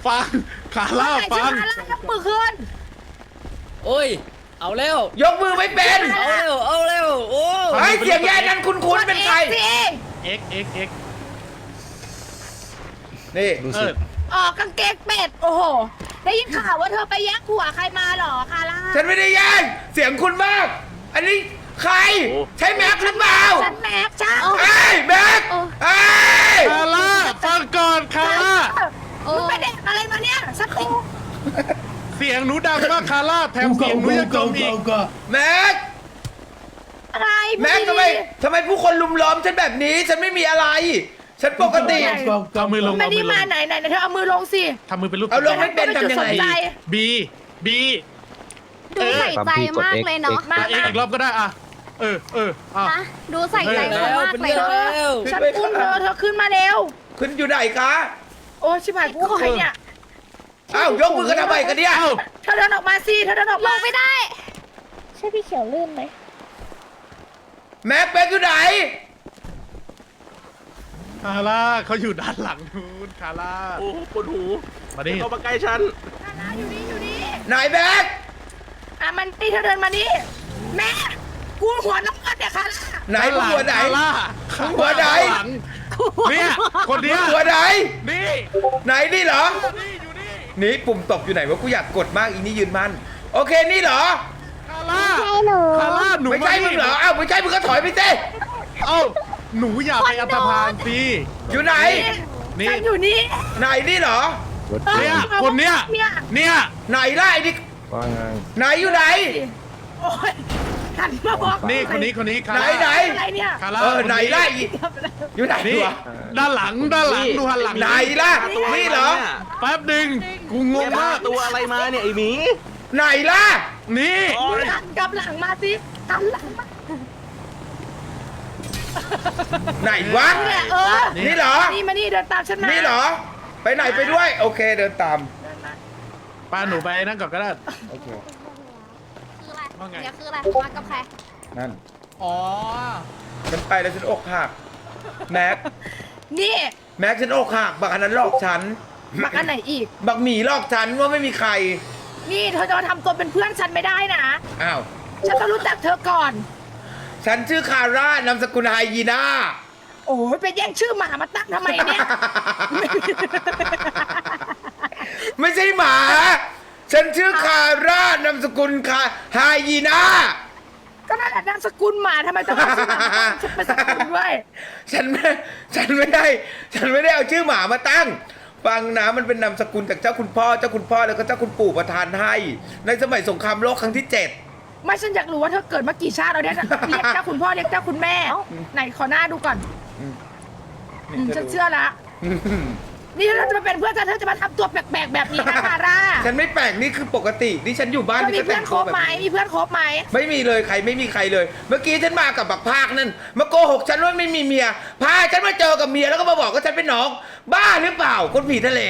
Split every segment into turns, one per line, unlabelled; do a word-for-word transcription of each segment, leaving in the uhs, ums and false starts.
ฟังคาร่าฟัง
คาร่ายกมือขึ้น
โอ้ยเอาเร็วย
กมือไม่เป็น
เอาเร็วเอาเร็วโอ้
ไอ้เสียงแย่นั้นคุ้นๆเป็นใคร
สิ
เอ็กเอ็กเอ็ก
นี่
เออ
ออกกางเกงเป็ดโอ้โหได้ยินข่าวว่าเธอไปแย่งผัวใครมาเหรอคาร่า
ฉันไม่ได้แย่งเสียงคุณมาก อันนี้ใครใช่แม็กหรือเปล่า
ฉันแม็กช่าง
ไอ้แม็กไอ้
คาร่าฟังก่อนคาร่า
มึงไปเด็กอะไรมาเนี่ยสักที
เสียงหนูดังมากคาร่าแถมเสียงหนูยังกลมอีก
แม็ก
อะไร
แม็กทำไมทำไมผู้คนลุมล้อมฉันแบบนี้ ฉันไม่มีอะไร ฉันปกติ
เอามือลง
ไม่
เอา
ได้
มือล
มาง ไหนไหนเธอเอามือลงสิ
ทำมือเป็นรูป
เอาลงไม่เป็นทำยังไง
บีบี
ดูใส่ใจมากเลยเนาะ
มาเอ็กอีกรอบก็ได้อ่ะเออเอออ่ะ
นะดูใส่ใจเขามากเลยเนาะ
เร็ว
ฉันอุ้มเธอเธอขึ้นมาเร็ว
ขึ้นอยู่ไหนคะ
โอ้ชิบหายกูใครเนี่ย
อ้าวยกมือกันทำไมกันเนี่ย
เอ้า
เธอเดินออกมาสิเธอเดินออก
ล
มาง
ไม่ได้
ใช่พี่เขียวลื่นไหม
แม็กแม็กอยู่ไหน
คาร่าเขาอยู่ด้านหลังนู้นคาร่า
โอ้ปวดหู
มาดิ
เข้ามาใกล้ฉัน
คาร่าอยู่นี่อยู่นี่
ไหนแม็ก
อ่ะมันนี่เธอเดินมานี่แม่กูหัวน้องเงินเนี่ยคาร่า
ไหนมึงหัวไหน
คาร่า
มึงหัวไหน
ข้างลังเนี่ยคนเนี้ย
หัวไหน
นี่
ไหนนี่เหรอ
นี่อยู่นี่
นี่ปุ่มตบอยู่ไหนวะกูอยากกดมากอีนี่ยืนมันโอเคนี่เหรอ
คาร่าคาร่าหนู
ไม่ใช่มึงเหรออ้าวไม่ใช่มึงก็ถอยไปสิ
เอ้าหนูอย่าไปอันธพาลสิ
อยู่ไหน
นี่
ฉันอยู่นี่
ไหนนี่เหรอ
เนี่ยคนเนี้ย
เนี่ย
เนี่ย
ไหนล่ะไอ้นี่ไหนอยู่ไหน
โอ้ยหันมาบอก
นี่คนนี้คนนี้คา
ไหน
ร่า
ไหน
อะไรเนี่ย
คาร่า
เออ
คน
ไหนล่ะอีอยู่ไหน
นี่
วะ
ด้านหลังด้านหลังดูหันหลัง
ไหนล่ะนี่เหรอ
แป๊บหนึ่งกูง
แก
ง
พาม
าก
ตัวอะไรมาเนี่ยไอหมี
ไหนล่ะ
นี่
หันกลับหลังมาสิหันหลังมา
ไหนวะ
เนี่ยเออ
นี่เหรอ
นี่มานี่เดินตามฉันมา
นี่เหรอ ไปไหนไปด้วย โอเคเดินตาม
เดินมา
ป้าหนูไปนั่งก่อนก็ได้
โอเค
คืออะไร
ว่าไง
เดี๋ยวคืออะไรมากับใคร
นั่น
อ๋อ
ฉันไปแล้วฉันอกหักแม็ก
นี่
แม็กฉันอกหักบักอันนั้นหลอกฉัน
มากันไหนอีก
บักหมีหลอกฉันว่าไม่มีใคร
นี่เธอจะมาทำตัวเป็นเพื่อนฉันไม่ได้นะ
อ้าว
ฉันต้องรู้จักเธอก่อน
ฉันชื่อคาร่านามสกุลไฮยีน่า
โอ้ยไปแย่งชื่อหมามาตั้งทำไมเนี่ย
ไม่ใช่หมา ฉันชื่อคาร่านามสกุลคาไฮยีน่า
ก็นั่นแหละนามสกุลหมาทำไมต้องเอาชื่อหมามาตั้งฉันเป็นสกุลด้วย
ฉันไม่ฉันไม่ได้ ฉันไม่ได้เอาชื่อหมามาตั้ง ฟังนะมันเป็นนามสกุลจากเจ้าคุณพ่อ เจ้าคุณพ่อแล้วก็เจ้าคุณปู่ประทานให้ ในสมัยสงครามโลกครั้งที่เจ็ด
ไม่ฉันอยากรู้ว่าเธอเกิดมากี่ชาติเราเนี่ยเรียกเจ้าคุณพ่อเรียกเจ้าคุณแม่ ไหนขอหน้าดูก่อนอืมฉันเชื่อละ นี่ถ้าจะมาเป็นเพื่อนฉันเธอจะมาทำตัวแปลกๆแบบนี้นะคาร่า
ฉันไม่แปลกนี่คือปกตินี่ฉันอยู่บ้าน
เธอมี
ก็
เพื่
แต่
อน
ง
คร
ตัว
บ
แบบ
ไหม
นี้
มีเพื่อนครบไหม
ไม่มีเลยใครไม่มีใครเลย เมื่อกี้ฉันมากับบักภาคนั่นมาโกหกฉันว่าไม่มีเมียพาฉันมาเจอกับเมียแล้วก็มาบอกว่าฉันเป็นน้อง บ้าหรือเปล่าคนผีทะเล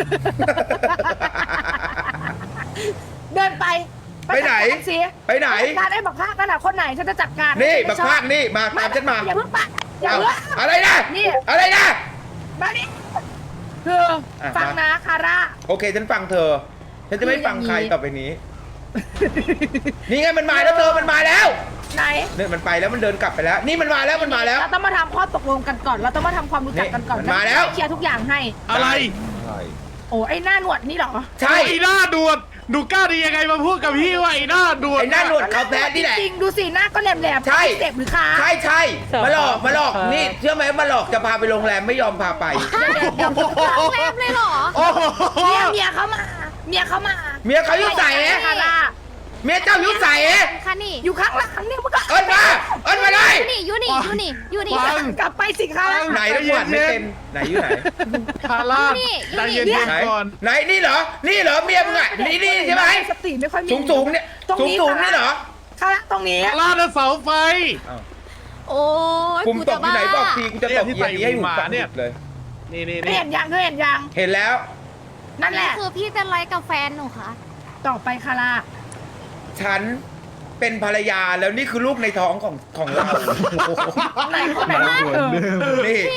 เดินไป
ไปไหน
จัดการสิ
ไปไหน
จัดการไอ้บักภาคนั่นน่ะคนไหนฉันจะจัดการ
นี่
ไม่
บัก
ชอบ
ภาคนี่มาตามฉันมา
อย่าเพิ่งปะอย่า
เอ้า
เพิ่ง
อะไรนะ
นี่
อะไรนะ
มาดิคืออะ ฟัง
มา
นะคาร่า
โอเคฉันฟังเธอ ฉันจะไม่ฟังใคร
คืออย่างนี้
ต่อไปนี้ นี่ไงมันมาแล้วเธอมันมาแล้ว
ไหน
เนี่ยมันไปแล้วมันเดินกลับไปแล้ว นี่มันมาแล้วมันมาแล้ว
เราต้องมาทำข้อตกลงกันก่อน เราต้องมาทำความรู้จักกันก่อน
นี่มันมาแล้ว
เคลียร์ทุกอย่างให้
อะไร
โอ้ไอ้หน้าหนวดนี่เหรอ
ใช่
ไอ้หน้าดวดหนูกล้าดียังไงมาพูดกับพี่ว่าไอ้หน้าดวด
ไอ้หน้าหนวดเขาแท้นี่แหละ
จริงๆดูสิหน้าก็แหลมๆ
ใช่
เจ็บหรือคะ
ใช่ใช่มาหลอกมาหลอกนี่เชื่อไหมมาหลอกจะพาไปโรงแรมไม่ยอมพาไป
เดี๋ยวเดี๋ยวเดี๋ยว
โรงแรมเลยเหรอ
โอ้โห
เมียเมียเขามา เมียเขามา
เมียเขายุ่งใส่เอ๊ะ
คาร่า
เมียเจ้ายุ่งใส่เอ๊ะ
ค่ะนี่
อยู่ข้างหลังเนี่ยมึงก็
เอิ้นมาเอิ้นมาเลย
อยู่นี่อยู่นี่อยู่นี่อยู่นี่
ฟัง
กลับไปสิคะ
ไหนแล้วหวานไม่เป็นไหนอยู่ไหน
คาร่า
นี่
ใจเย็น
ไหน
ๆก่อน
ไหนนี่เหรอ นี่เหรอเมียมึงอ่ะนี่นี่ใช่ไหม
สติไม่ค่อยมี
สูงสูงๆเนี่ย
ตรง
สูง
นี้
สูงๆนี่เหรอ
คาร่าตรงนี้
คาร่าน่ะเสาไฟ
โอ้ย
ปุ่มตกที่ไหนบอกทีกูจะตก
เนี่ยที่
เยียนี้ให้หู
ใส่หูหมา
ฟัง
เนี่ย
เลย
นี่นี่
เธอ
นี่
เห็นยังเธอเห็นยัง
เห็นแล้ว
นั่นแห
นี่
ละ
คือพี่จะไลฟ์กับแฟนหนูค่ะ
ต่อไปคาร่า
ฉันเป็นภรรยาแล้วนี่คือลูกในท้องของของเรา
ไหนคนไหนเออ
นี่
พี่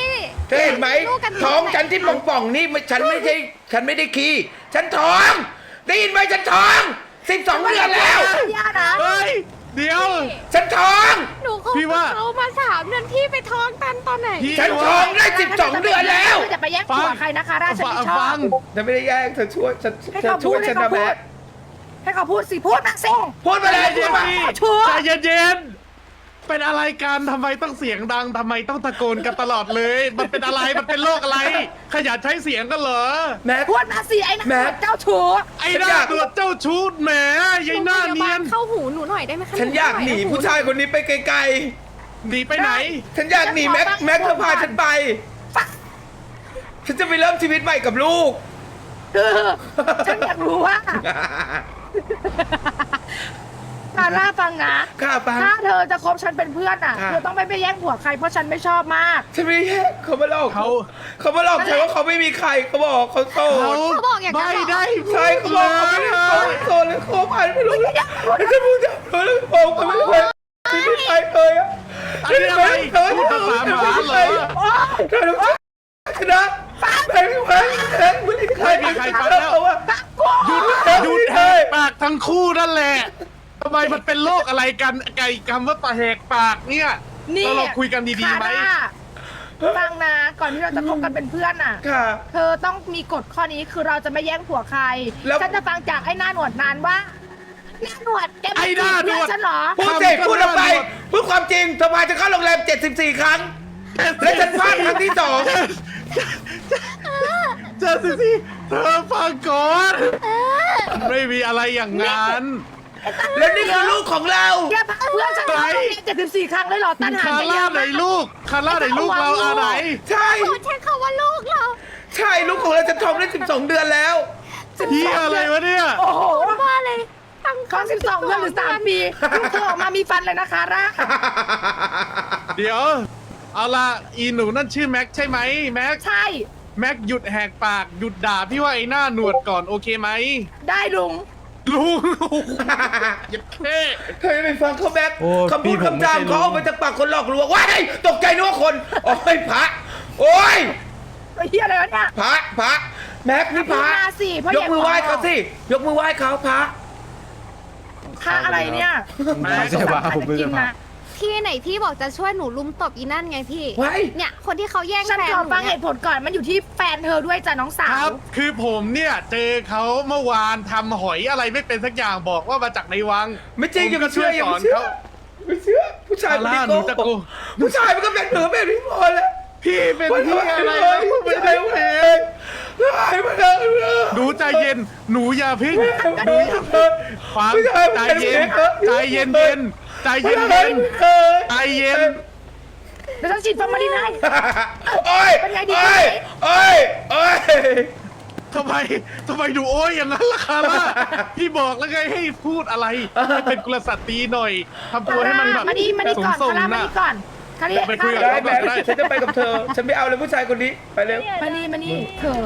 เธอเห็นไหม
ลูกกัน
ท้องฉันที่ป่องๆนี่ไม่ฉันไม่ใช่ฉันไม่ได้ขี้ฉันท้องได้ยินไหมฉันท้องสิบสองเดือนแล้ว
ย่านะ
เฮ้ย เดี๋ยว
ฉันท้อง
หนูคบ
พี่ว่า
เขามาสามเดือนพี่ไปท้องกันตอนไหน
พี่
ฉันท้องได้สิบสองเดือนแล้ว
จะไปแย่งผัวใครนะคะราฉัน
ฟัง
ไม่ชอ
ฟั
บ
ง
ฉันไม่ได้แย่งเธอช่วยฉัน
ให้
เธอ
เขา
ช่
พู
วย
ดให้
ฉัน
เขา
นะ
พู
แม่
ดให้เขาพูดสิพูดมาสิ
พูดมาเลย
ใจ
พู
เย็
ด
น
มา
พี่
ชัวร์
ใจเย็นๆเป็นอะไรกันทำไมต้องเสียงดังทำไมต้องตะโกนกันตลอดเลย มันเป็นอะไรมันเป็นโรคอะไร ขยันใช้เสียงกันเหรอ
แม่
พูดมาสิไอ้นัก
แม่
เจ้าชู้
ไอ้หน้าตัวเจ้าชู้แหมยายหน้าเนียน
เข้าหูหนูหน่อยได้ไหมคะ
ฉันอยากหนีผู้ชายคนนี้ไปไกล
หนีไปไหน
ๆฉันอยากหนีแม็กแม็กเธอพาฉันไป ฉันจะไปเริ่มชีวิตใหม่กับลูก
คือฉันอยากรู้ว่าคาร่าฟังนะ
ข้าฟัง
ถ้าเธอจะคบฉันเป็นเพื่อนอ่ะ
ค่ะ
เธอต้องไม่ไปแย่งผัวใครเพราะฉันไม่ชอบมาก
ฉันไม่แย่งเขามาหลอก
เขา
เขามาหลอกฉันว่าเขาไม่มีใครเขาบอกเขาโส
เขา
ด
เขาบอกอย่างนั้น
ไม่
เหรอ
ได้
ใช่เขาบอกเขาไม่ได้เขาโสดเลยเขาผ่านไม่รู้เลยฉันพูดจะรู้แล้วบอกเขาไม่มีใครไม่มีใครเลยอะ
อันนี้อะไรพูดภาษาหมาเหรอ
เธอรู้ชนะแพ้ไม่แพ้แพ้ไม่มีใคร
ไม่มีใครฟังแล้ว
เขาว่า
หยุดหยุดแหกปากทั้งคู่นั่นแหละทำไมมันเป็นโรคอะไรกันไก่คำว่าปะแหกปากเนี่ย
นี่
เราเราคุยกันดีๆไหม
คาร่าฟังนะก่อนที่เราจะคบกันเป็นเพื่อนอ่ะ
ค่ะ
เธอต้องมีกฎข้อนี้คือเราจะไม่แย่งผัวใคร
แล้ว
ฉันจะฟังจากไอ้หน้าหนวดนานว่าหน้าหนวดแกไม่
ไอ้หน้าหนวด
เพื่อฉันเหรอ
พูดสิพูดออกไปพูดความจริงเธอพาฉันเข้าโรงแรมเจ็ดสิบสี่ครั้ง และฉันพลาดครั้งที่สอง
เจอสิสิเธอฟังก่อนไม่มีอะไรอย่างนั้น
และนี่คือลูกของเรา
แกพาเพื่อนฉันเข้าโรงเรียนเจ็ดสิบสี่ครั้งเลยเหรอตันหา
คา
ไปเย
ร่า
อะ
ไหน
มาก
ลูกคาร่าไหนลูกเราอะไหน
ใช่
พูดใช้คำว่าลูกเรา
ใช่ลูกของเราจะท้องได้สิบสองเดือนแล้ว
พี่อะไรวะเนี่ย
โอ้โห
ว่าเลยตั้ง
ท้องสิบสองเดือนหรือสามปีลูกเธอออกมามีฟันเลยนะคะร่า
เดี๋ยว เอาละอีหนูนั่นชื่อแม็กใช่ไหมแม็ก
ใช่
แม็กหยุดแหกปากหยุดด่าพี่ว่าไอ้หน้าหนวดก่อนโอเคไหม
ได้ลุง
ลุงอย่าเท่
เธอจะไปฟังเขาแม็ก
โอ้
คำพูด
พี่ผม
คำจาม
ไม่ใช่
เขาเอามาจากปากคนหลอกลวงว้ายตกใจนึกว่าคน โอ้ยพระ โอ้ย
ไอ้เหี้ยอะไรวะเนี่ย
พระพระแม็กนี่พระ
มาสิเพราะ
ยกมือไหว้เขาสิ ยกมือไหว้เขาพระ
ค่าอะไรเนี่ย
ไม่ใช่ว่าผมไม่ใช่พระ
พี่ไหนพี่บอกจะช่วยหนูลุมตบอีนั่นไงพี่
ไว้
เนี่ยคนที่เขาแย่ง
ฉัน
แฟน
ขอ
หนู
ฟังเห
เนี่ย
ตุผลก่อนมันอยู่ที่แฟนเธอด้วยจ้ะน้องสา
คว รับ คือผมเนี่ยเจอเขาเมื่อวานทำหอยอะไรไม่เป็นสักอย่างบอกว่ามาจากในวัง
ไม่จริงอย่า
ผ
มาเชื่ออย่า
ก็
มาเชื่อ
สน
ไม่เชื่อ ผู้ชาย
ซาร่า
มัน
หนู
โก
จะ
ห
โก
กผู้ชายมันก็เป็นเหนือแบบนี้พอแล้ว
พี่เป็น
มัน
ที่
ทำ
อะไร
เล
นะ
ย
ไม่
ไม่
ได้
ได้
เพ
เลยได้มาแล้ว
หนูใจเย็น หนูอย่าพึ่งหนูอย่า
เออ
ฟัง
ผู้ชาย
ใจ
มัน
เย็น
ป็
ใจเย็นเย็นใจเย็น
เอ
เย็น
อ
ใจเย็น
เดี๋ยวฉันฉีดฟอร์มาลินให้
โอ้ย
เป็นไงดี
โอ้ยโอ้ยโอ้ย
ทำไมทำไมดูโอ้ยอย่างนั้นล่ะคาร่าพี่บอกแล้วไงให้พูดอะไรให้เป็นกุลสตรีหน่อยทำตัวให้มันแบบ
มานี่มานี่ก่อน
ส่ง
คาร่า
ๆ
มา
นะ
นี่ก่อนคาร่า
ไปคุยกับ
ได้แบบฉันจะไปกับเธอ ฉันไม่เอาเลยผู้ชายคนนี้ ไปเร็ว
มานี่มานี่เธอ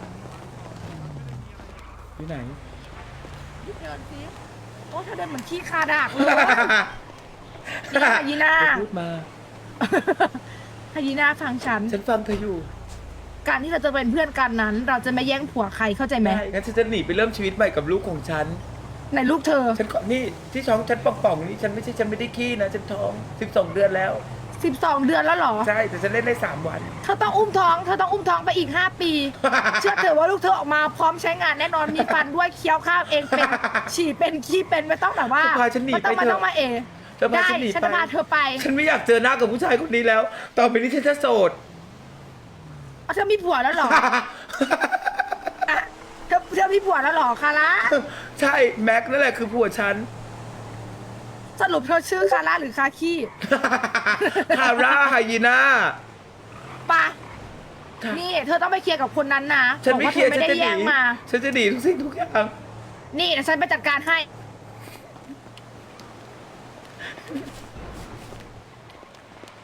ที่ไหน
เดินสิโอ้เธอเดินเหมือนขี้คาดากเลยนี่ค่ะยีน่า
พูดมา
ฮายีน่าฟังฉัน
ฉันฟังเธออยู่
การที่เราจะเป็นเพื่อนกันนั้น เราจะไม่แย่งผัวใครเข้าใจไหม
ได้งั้นฉันจะหนีไปเริ่มชีวิตใหม่กับลูกของฉัน
ในลูกเธอ
ฉันขอนี่ที่ท้องฉันป่องๆนี่ฉันไม่ใช่ฉันไม่ได้ขี้นะฉันท้องสิบสองเดือนแล้ว
สิบสองเดือนแล้วเหรอ
ใช่แต่ฉันเล่นได้สามวัน
เธอต้องอุ้มท้อง เธอต้องอุ้มท้องไปอีกห้าปี เชื่อเถอะว่าลูกเธอออกมาพร้อมใช้งานแน่นอนมีฟันด้วยเคี้ยวข้าวเองเป็นฉี่เป็นขี้เป็นไม่ต้องแบบว่า
เธอพาฉันหนี
ไม่ต้อง
ไป
มา
เถอะ
ต้องมาเอ
เธอพา
ได้
ฉันหนี
ฉัน
ไป
จะพาเธอไป
ฉันไม่อยากเจอหน้ากับผู้ชายคนนี้แล้ว ต่อไปนี้ฉันจะโสด
เอาเธอมีผัวแล้วเหรออ่ะเธอเธอมีผัวแล้วเหรอคาร่า
ใช่แม็กนั่นแหละคือผัวฉัน
สรุปเธอชื่อคาร่าหรือคาขี้
คาร่าไฮยีน่า
ปะนี่เธอต้องไปเคลียร์กับคนนั้นนะ
ฉัน
บอก
ไม่
ว่า
เค
เธ
ลีย
อ
ร์
ไม่
ฉัน
ได้
จะห
แย่
นี
งมา
ฉันจะหนีทุกสิ่งทุกอย่าง
นี่เดี๋ยวฉันไปจัดการให้